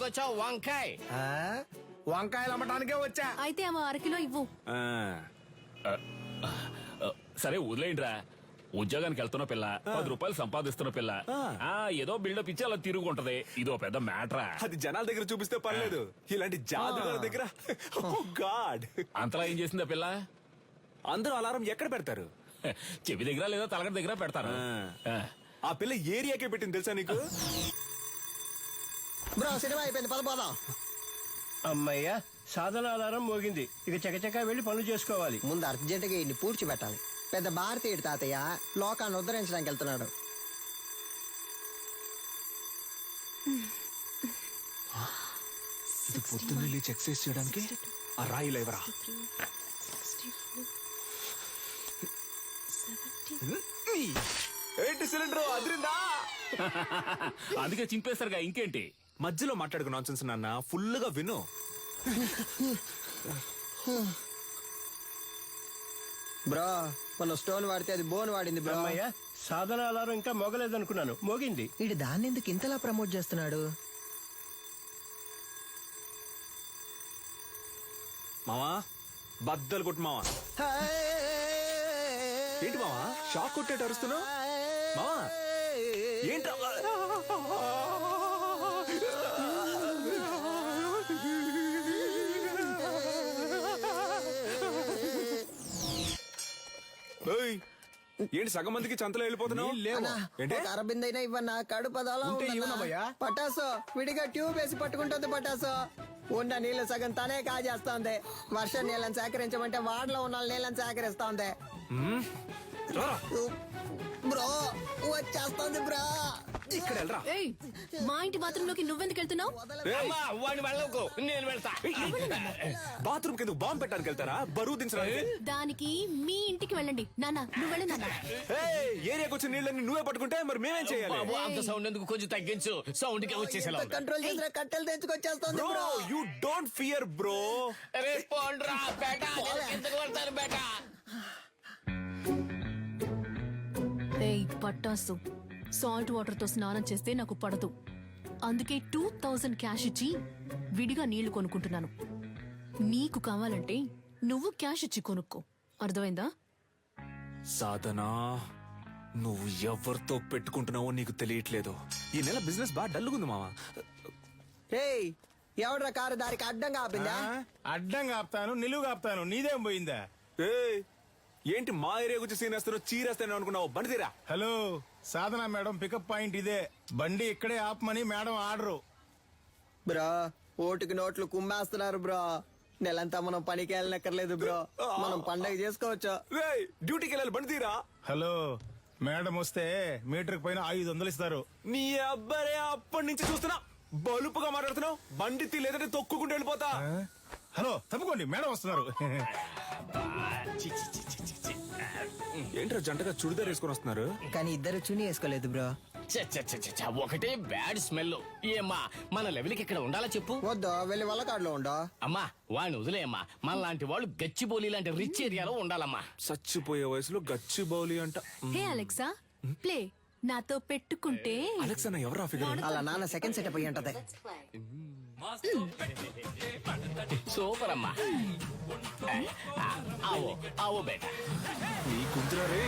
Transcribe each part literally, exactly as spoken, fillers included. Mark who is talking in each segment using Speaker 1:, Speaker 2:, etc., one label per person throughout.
Speaker 1: ఎందుకు వచ్చావు? వంకాయ
Speaker 2: వంకాయలు అమ్మటానికే వచ్చా.
Speaker 3: అయితే ఆమె అరకిలో ఇవ్వు.
Speaker 4: సరే వదిలేయండిరా. ఉద్యోగానికి వెళ్తున్న పిల్ల, పది రూపాయలు సంపాదిస్తున్న పిల్ల, ఆ ఏదో బిల్డప్ ఇచ్చి అలా తిరుగుంటది. ఇదో పెద్ద మ్యాటరా.
Speaker 5: అది జనాల దగ్గర చూపిస్తే పర్లేదు, ఇలాంటి జాదుగారి దగ్గర గాడ్.
Speaker 4: అంతలా ఏం చేసింది ఆ పిల్ల?
Speaker 5: అందరూ అలారం ఎక్కడ పెడతారు?
Speaker 4: చెవి దగ్గర లేదా తలగడ దగ్గర పెడతారు.
Speaker 5: ఆ పిల్ల ఏరియాకే పెట్టింది తెలుసా నీకు?
Speaker 6: బ్రో సినిమా అయిపోయింది, పదపోదాం.
Speaker 2: అమ్మయ్యా, సాధన అలారం మోగింది. ఇక చకచకా వెళ్లి పనులు చేసుకోవాలి.
Speaker 6: ముందు అర్జెంటుగా ఇన్ని పూడ్చిపెట్టాలి. పెద్ద భారతీయుడు తాతయ్య లోకాన్ని ఉద్ధరించడానికి వెళ్తున్నాడు.
Speaker 5: ఇది పొద్దున్న లేచి ఎక్సర్సైజ్ చేయడానికి ఆ రాయి లేవరా. ఏంటి సిలిండర్ అదిరిందా?
Speaker 4: అందుకే చింపేస్తారుగా, ఇంకేంటి?
Speaker 5: మధ్యలో మాట్లాడుకు నాన్సెన్స్ నాన్న, ఫుల్ గా విను.
Speaker 6: బ్రో మన స్టోన్ వాడితే అది బోన్ వాడింది బ్రో.
Speaker 2: అమ్మయ్యా, సాధన అలారం ఇంకా మోగలేదనుకున్నాను, మోగింది.
Speaker 6: వీడు దాన్ని ఎందుకు ఇంతలా ప్రమోట్ చేస్తున్నాడు?
Speaker 5: మావా బద్దలు కొట్టు మావా. ఏంటి మావా షాక్ కొట్టేట అరుస్తున్నావు? మావా ఏంట్రా? ఏంటి సగం మందికి చంతలో వెళ్ళిపోతున్నావు?
Speaker 6: అరబిందైనా ఇవ్వన్నా, కడుపు అదోలా ఉందన్నా. పటాసు విడిగా ట్యూబ్ వేసి పట్టుకుంటుంది. పటాసు ఉన్న నీళ్లు సగం తనే కాజేస్తోంది. వర్షం నీళ్ళని సేకరించమంటే వాడలో ఉన్న నీళ్ళని సేకరిస్తోంది. బ్రో వచ్చేస్తోంది బ్రో.
Speaker 5: ఇక్కడ వెళ్ళరా.
Speaker 3: ఏయ్, మా ఇంటి బాత్రూమ్ లోకి నువ్వెందుకు వెళ్తున్నావు?
Speaker 1: వాడిని వెళ్ళకు, నేను వెళ్తా.
Speaker 5: బాత్రూమ్ కింద బాంబు పెట్టడానికి వెళ్తారా? బరువు దించడానికి.
Speaker 3: దానికి మీ ఇంటికి వెళ్ళండి. నాన్న నువ్వు వెళ్ళి నాన్న.
Speaker 5: ఏరియాకి వచ్చిన నీళ్ళని నువ్వే పట్టుకుంటే మరి మేమేం చేయాలి?
Speaker 1: బాబు అంత సౌండ్ ఎందుకు, కొంచెం తగ్గించు. సౌండ్ కి వచ్చేసేలా
Speaker 6: కంట్రోల్ చేసిన కట్టెలు తెచ్చుకొచ్చేస్తోంది bro.
Speaker 5: You don't fear bro.
Speaker 1: పోండ్రా బేటా, ఎందుకు పడతారు బేటా?
Speaker 3: ఏయ్ పట్టాసు, సాల్ట్ వాటర్ తో స్నానం చేస్తే నాకు పడదు. అందుకే టూ థౌజండ్ క్యాష్ ఇచ్చి విడిగా నీళ్లు కొనుక్కుంటున్నాను. నీకు కావాలంటే నువ్వు క్యాష్ ఇచ్చి కొనుక్కో, అర్థమైందా?
Speaker 5: సాధనా, నువ్వు ఎవరితో పెట్టుకుంటున్నావో నీకు తెలియట్లేదు. ఈ నెల బిజినెస్ బాగా డల్లుగుంది మావా.
Speaker 6: ఏయ్ ఎవడ్రా కారు దారికి అడ్డంగా ఆపిందా?
Speaker 2: అడ్డంగా ఆపుతాను, నిలువుగా ఆపుతాను, నీదేం పోయిందా?
Speaker 5: ఏయ్ ఏంటి మా ఏరియా గురించి సీనేస్తాను, చీరేస్తాను అనుకున్నావు? బండి తీరా.
Speaker 2: Hello, Sadhana madam pickup point ఇదే. బండి ఇక్కడే ఆపమని మేడం ఆర్డరు.
Speaker 6: బ్రో ఓటుకి నోట్లు కుమ్మేస్తున్నారు బ్రో. నెలంతా మనం పనికి వెళ్ళనక్కర్లేదు బ్రో, మనం పండగ చేసుకోవచ్చు.
Speaker 5: డ్యూటీకి వెళ్ళాలి, బండి తీరా.
Speaker 2: హలో, మేడం వస్తే మీటర్ పైన ఐదు వందలు ఇస్తారు.
Speaker 5: నీ అబ్బరే అప్పటి నుంచి చూస్తున్నా బలుపుగా మాట్లాడుతున్నావు. బండి తీ, లేదంటే తొక్కుకుంటూ వెళ్ళిపోతా.
Speaker 2: హలో తప్పుకోండి, మేడం వస్తున్నారు.
Speaker 5: ఏంట్రా జంటగా చుడిదార్ వేసుకొని వస్తున్నారు?
Speaker 6: కానీ ఇద్దరు చుని వేసుకోలేదు బ్రో.
Speaker 1: ఒకటే బ్యాడ్ స్మెల్. ఏమ్మా మన లెవెల్కి ఇక్కడ ఉండాలా చెప్పు?
Speaker 6: వద్దు, వెళ్ళి వల్లకాడులో ఉండో.
Speaker 1: అమ్మా వాడిని వదిలేయమ్మా. మన లాంటి వాళ్ళు గచ్చిబౌలి లాంటి రిచ్ ఏరియాలో ఉండాలమ్మా.
Speaker 5: చచ్చిపోయే వయసులో గచ్చి బౌలి అంట.
Speaker 3: Hey Alexa, play. నాతో పెట్టుకుంటే
Speaker 5: అలెక్సా నా ఎవరా ఫిగర్?
Speaker 6: అలా నాన్న సెకండ్ సెటప్ అయ్యి ఉంటది.
Speaker 1: సూపర్ అమ్మా. ఆవో ఆవో బేటా.
Speaker 5: నీ కుంతురా రే.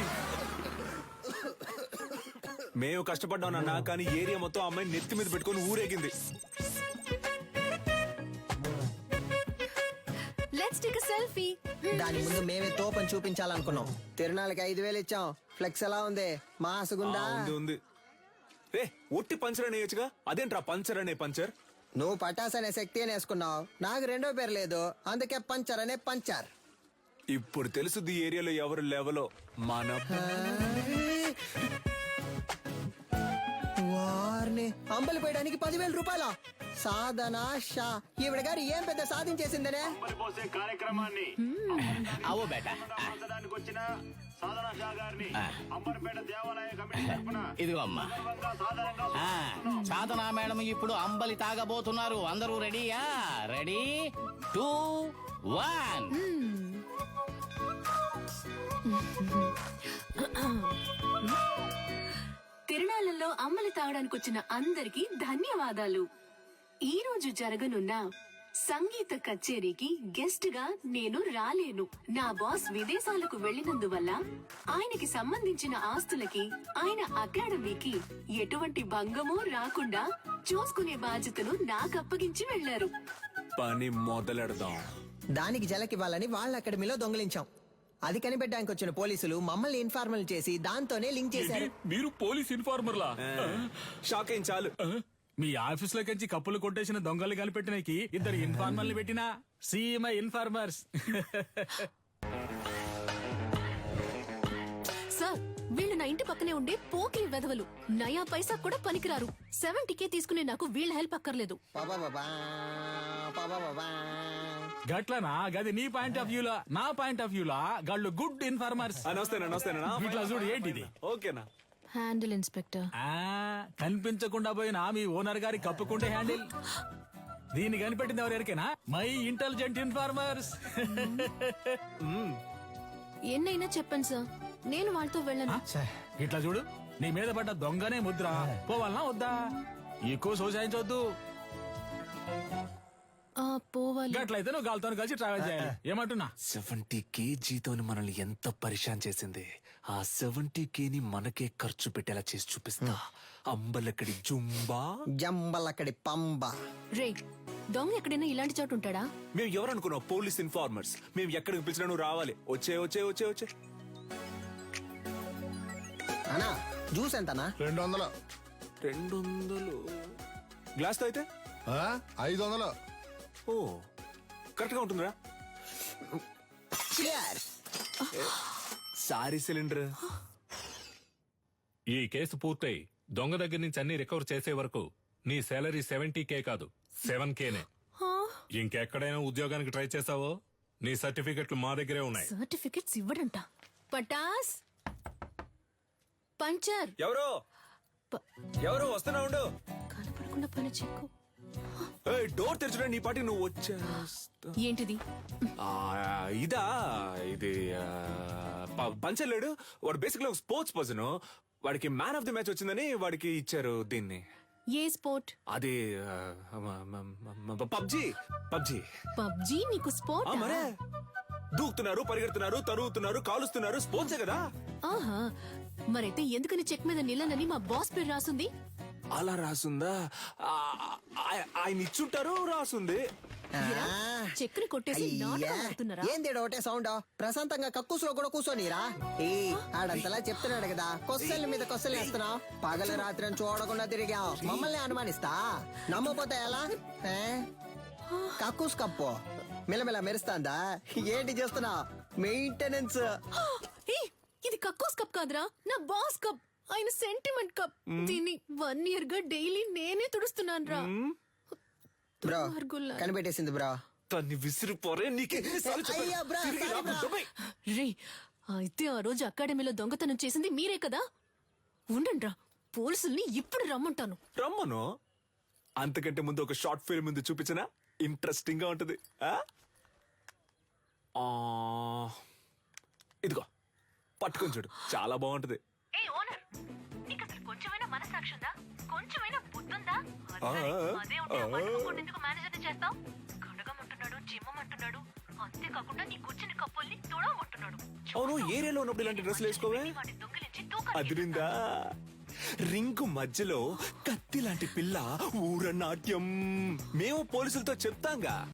Speaker 5: మేము కష్టపడ్డాం నాన్న, కానీ ఏరియా మొత్తం అమ్మాయి నెత్తి మీద పెట్టుకొని ఊరేగింది.
Speaker 3: Let's take a selfie.
Speaker 6: దాని ముందు మేమే తోపని చూపించాలనుకున్నాం. తిరునాళ్ళకి ఐదు వేలు ఇచ్చాం. ఫ్లెక్స్ ఎలా ఉంది? మాసుగుందా?
Speaker 5: ఉంది. రే ఒట్టి పంచర్ అని వేయచ్చుగా, అదేంట్రా పంచర్ అనే పంచర్?
Speaker 6: నువ్వు పటాస్ అనే శక్తి అని వేసుకున్నావు, నాకు రెండో పేరు లేదు, అందుకే పంచర్ అనే పంచర్.
Speaker 5: ఇప్పుడు తెలుసుది ఏరియాలో ఎవరు లెవలో. మన
Speaker 6: వారిని అంబలి పోయడానికి పదివేల రూపాయల సాధన షా. ఈవిడ గారు ఏం పెద్ద సాధించేసిందనే
Speaker 7: కార్యక్రమాన్ని
Speaker 1: ఆవో బేటా. ఇదిగో అమ్మా. సాధనా మేడం ఇప్పుడు అంబలి తాగబోతున్నారు. అందరూ రెడీయా? Ready two one.
Speaker 3: తిరునాళ్ళలో అమ్మలి తాగడానికి వచ్చిన అందరికీ ధన్యవాదాలు.
Speaker 8: ఈ రోజు జరగనున్న సంగీత కచేరీకి గెస్ట్ గా నేను రాలేను. నా బాస్ విదేశాలకు వెళ్లినందువల్ల ఆయనకి సంబంధించిన ఆస్తులకి ఆయన అకాడమీకి ఎటువంటి భంగమూ రాకుండా చూసుకునే బాధ్యతను నాకు అప్పగించి వెళ్లారు.
Speaker 5: పని మొదలెడదాం.
Speaker 6: దానికి జలకివ్వాలని వాళ్ళ అకాడమీలో దొంగిలించాం. అది కనిపెట్టడానికి వచ్చిన పోలీసులు మమ్మల్ని ఇన్ఫార్మల్ చేసి దాంతోనే లింక్ చేశారు.
Speaker 4: మీరు పోలీస్ ఇన్ఫార్మర్లా?
Speaker 5: షాక్ అయిన చాలు.
Speaker 9: మీ ఆఫీస్ లోకి కప్పులు కొట్టేసిన దొంగలు కనిపెట్టినకి ఇద్దరు ఇన్ఫార్మర్లు పెట్టినా సీఎంఐ ఇన్ఫార్మర్స్.
Speaker 3: సార్ వీళ్ళు నా ఇంటి పక్కనే ఉండే పోకిరి వెధవలు. నయా పైసా కూడా పనికిరారు. సెవెంటీ కే తీసుకునే నాకు వీళ్ళ హెల్ప్ అక్కర్లేదు.
Speaker 6: పాపా బాబా, పాపా బాబా.
Speaker 9: గట్లనా? గది నీ పాయింట్ ఆఫ్ వ్యూలా. నా పాయింట్ ఆఫ్ వ్యూలా గాళ్ళు గుడ్ ఇన్ఫార్మర్స్.
Speaker 5: నమస్తేనా నమస్తేనా
Speaker 9: ఇట్లా చూడు ఏంటిది.
Speaker 5: ఓకేనా?
Speaker 3: Handle inspector.
Speaker 9: ఆ కనిపించకుండా పోయిన మీ ఓనర్ గారి కప్పుకుంటే హ్యాండిల్. దీన్ని కనిపెట్టింది ఎవరికైనా మై ఇంటెలిజెంట్ ఇన్ఫార్మర్స్.
Speaker 3: ఎన్నైనా చెప్పండి సార్, నేను వాళ్ళతో వెళ్ళను.
Speaker 9: ఇట్లా చూడు, నీ మీద పడ్డ దొంగనే ముద్ర. పోవాలనా వద్దా? ఎక్కువ సోసాయించవద్దు.
Speaker 3: ఆ, పోవాలి.
Speaker 9: గట్లయితే నువ్వు గాలితో కలిసి ట్రావెల్ చేయాలి. ఏమంటున్నా?
Speaker 5: సెవెంటీ కేజీతో మనల్ని ఎంత పరిశాన్ చేసింది. ఆ సెవెంటీ కేని మనకే ఖర్చు పెట్టేలా చేసి చూపిస్తా. అంబలక్కడి జుంబా,
Speaker 6: జంబలక్కడి పంబ.
Speaker 3: రే, దొంగ ఎక్కడైనా ఇలాంటి చోటు ఉంటాడా?
Speaker 5: మేము ఎవరనుకున్నావు? Police informers. మేము ఎక్కడికి పిలిచినా నువ్వు రావాలి. వచ్చే వచ్చే వచ్చే వచ్చే.
Speaker 6: అన్నా జ్యూస్ ఎంతనా?
Speaker 10: రెండు వందలు.
Speaker 5: రెండు వందలు గ్లాస్ తో అయితే
Speaker 10: ఆ? ఐదు వందలు.
Speaker 5: ఓ కరెక్ట్ గా ఉంటుందిరా.
Speaker 6: Cheers.
Speaker 5: Sorry cylinder.
Speaker 4: ఈ కేసు పూర్తయి దొంగ దగ్గర నుంచి అన్ని రికవర్ చేసే వరకు నీ శాలరీ సెవెంటీ కే కాదు, సెవెన్ కేనే. ఇంకెక్కడైనా ఉద్యోగానికి ట్రై చేసావో నీ సర్టిఫికెట్లు మా దగ్గరే ఉన్నాయి.
Speaker 3: సర్టిఫికెట్స్ ఇవ్వడంట. పటాస్ పంచర్.
Speaker 5: ఎవరు
Speaker 3: ప-
Speaker 5: ఎవరు వస్తున్నా ఉండు.
Speaker 3: కనపడకుండా పని చెక్కు.
Speaker 5: ఏయ్, డోర్ తెరచురా. నీ పాటికి నువ్వు వచ్చేస్తా.
Speaker 3: ఏంటిది?
Speaker 5: ఆ, ఇదా ఇది ఆ, ప- పంచలేడు వాడు. బేసిక్లీ ఒక స్పోర్ట్స్ పర్సన్. వాడికి మ్యాన్ ఆఫ్ ది మ్యాచ్ వచ్చిందని వాడికి ఇచ్చారు దీన్ని.
Speaker 3: ఏ స్పోర్ట్?
Speaker 5: అది పబ్జి. పబ్జి
Speaker 3: పబ్జీ నీకు స్పోర్ట్?
Speaker 5: మరే దూకుతున్నారు, పరిగెడుతున్నారు, తరుగుతున్నారు, కాలుస్తున్నారు. స్పోర్ట్సే కదా.
Speaker 3: ఆహా, మరైతే ఎందుకని చెక్ మీద నిలనని మా బాస్ పేరు రాసుంది?
Speaker 5: అలా రాసుందా? ఆ, ఆ- ఆయన ఇచ్చుంటారు, రాసుంది.
Speaker 3: ఏరా, చెక్కుని కొట్టేసి నాటకం ఆడుతున్నారా?
Speaker 6: ఏంది ఒకటే సౌండ్? ప్రశాంతంగా కక్కుసులో కూడా కూర్చోనిరా. ఏ ఆడంతలా చెప్తున్నాడు కదా, కొస్సల మీద కొస్సలు వేస్తున్నావు. పగలు రాత్రి అని చూడకుండా తిరిగావు. మమ్మల్ని అనుమానిస్తా. నమ్మపోతే ఎలా? ఏ? కక్కుస్ కప్పు మిలమిల మెరుస్తాందా? ఏంటి చేస్తున్నావు? మెయింటెనెన్స్.
Speaker 3: ఏయ్, ఇది కక్కోస్ కప్ కాదురా, నా బాస్ కప్. ఆయన సెంటిమెంట్ కప్. దీన్ని వన్ ఇయర్ గా డైలీ నేనే తుడుస్తున్నాను రా.
Speaker 6: బ్రో కనిపెట్టేసింది బ్రో.
Speaker 5: తన్ని విసిరిపోరే. నీకే
Speaker 6: అయ్యా బ్రో, సారీ బ్రో.
Speaker 3: రే, అయితే ఆ రోజు అకాడమీలో దొంగతనం చేసింది మీరే కదా? ఉండండి రా, పోలీసుల్ని ఇప్పుడు రమ్మంటాను.
Speaker 5: రమ్మను. అంతకంటే ముందు ఒక షార్ట్ ఫిల్మ్ ముందు చూపించనా? ఇంట్రెస్టింగ్ గా ఉంటది. ఆ? ఆ, ఇదిగో పట్టుకొని చూడు, చాలా బాగుంటది.
Speaker 8: ఏ ఓనర్, నీకు అసలు కొంచెమైనా మనసాక్షి ఉందా? కొంచెమైనా బుద్ధుందా?
Speaker 5: ఆ,
Speaker 8: అదే ఉంటే ఆ పట్టుకోకుండా ఎందుకు మేనేజర్ని చేస్తావు? కడగమంటున్నాడు, జిమ్మమంటున్నాడు, అంతేకాకుండా నీ కూర్చుని కప్పుల్ని తుడవమంటున్నాడు.
Speaker 5: అవును, ఏరియాలో ఉన్నప్పుడు ఇలాంటి డ్రెస్సులు వేసుకోవే.
Speaker 8: వాటి దొంగిలించి తూకాలు
Speaker 5: అదిరిందా? రింగు మధ్యలో కత్తి లాంటి పిల్ల ఊర నాట్యం. మేము పోలీసులతో చెప్తాంగా.